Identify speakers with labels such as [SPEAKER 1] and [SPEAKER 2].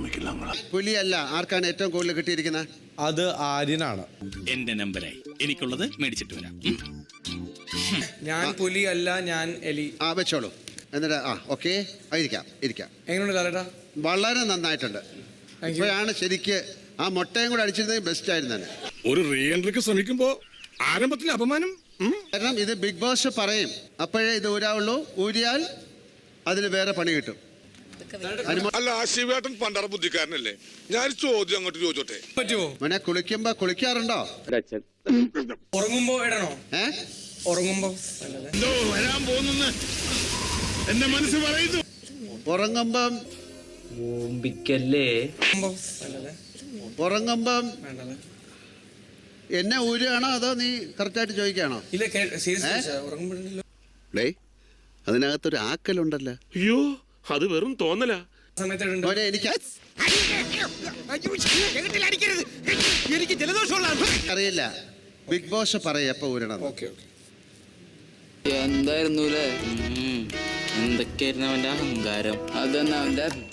[SPEAKER 1] പുലിയല്ല. ആർക്കാണ് ഏറ്റവും കൂടുതൽ കിട്ടിയിരിക്കുന്നത്?
[SPEAKER 2] അത് ആര്യനാണ്.
[SPEAKER 3] എന്റെ നമ്പരായി, എനിക്കുള്ളത് മേടിച്ചിട്ട് വരാം.
[SPEAKER 4] ഞാൻ പുലി അല്ല, ഞാൻ എലി.
[SPEAKER 1] വെച്ചോളൂ. എന്നിട്ട് ഓക്കെ, ഇരിക്കാം.
[SPEAKER 4] എങ്ങനെയുണ്ട് ലാലേട്ടാ?
[SPEAKER 1] വളരെ നന്നായിട്ടുണ്ട്. ഇപ്പോഴാണ് ശരിക്ക് ആ മുട്ടയും കൂടെ അടിച്ചിരുന്നെങ്കിൽ ബെസ്റ്റ് ആയിരുന്നു.
[SPEAKER 5] ഒരു റീ എൻട്രിക്ക് ശ്രമിക്കുമ്പോ ആരംഭത്തിൽ അപമാനം.
[SPEAKER 1] കാരണം ഇത് ബിഗ് ബോസ് പറയും, അപ്പോഴേ ഇത് ഊരാവുള്ളൂ. ഊരിയാൽ അതിന് വേറെ പണി കിട്ടും.
[SPEAKER 5] അല്ല, ശിവേട്ടൻ പണ്ടറ ബുദ്ധിക്കാരനല്ലേ? ഞാൻ ചോദ്യം അങ്ങോട്ട് ചോദിച്ചോട്ടെ
[SPEAKER 4] പറ്റുമോ?
[SPEAKER 1] മോനെ, കുളിക്കുമ്പോ കുളിക്കാറുണ്ടോ?
[SPEAKER 4] ഉറങ്ങുമ്പോ ഇടണോ? ഉറങ്ങുമ്പോ
[SPEAKER 5] എന്തോ വരാൻ പോകുന്നെന്ന് എന്റെ മനസ്സ് പറയുന്നു.
[SPEAKER 1] ഉറങ്ങുമ്പം എന്നെ ഊരുകയാണോ അതോ നീ കറക്റ്റായിട്ട് ചോദിക്കുകയാണോ? ഡേ, അതിനകത്തൊരു ആക്കലുണ്ടല്ലോ.
[SPEAKER 5] അയ്യോ, അത് വെറും തോന്നലാ.
[SPEAKER 1] മോനെ, എനിക്ക് അറിയില്ല. ബിഗ് ബോസ് പറയും എപ്പോ ഊരണം.
[SPEAKER 6] എന്തായിരുന്നു എന്തൊക്കെയായിരുന്നു അവന്റെ അഹങ്കാരം. അതന്നെ അവന്റെ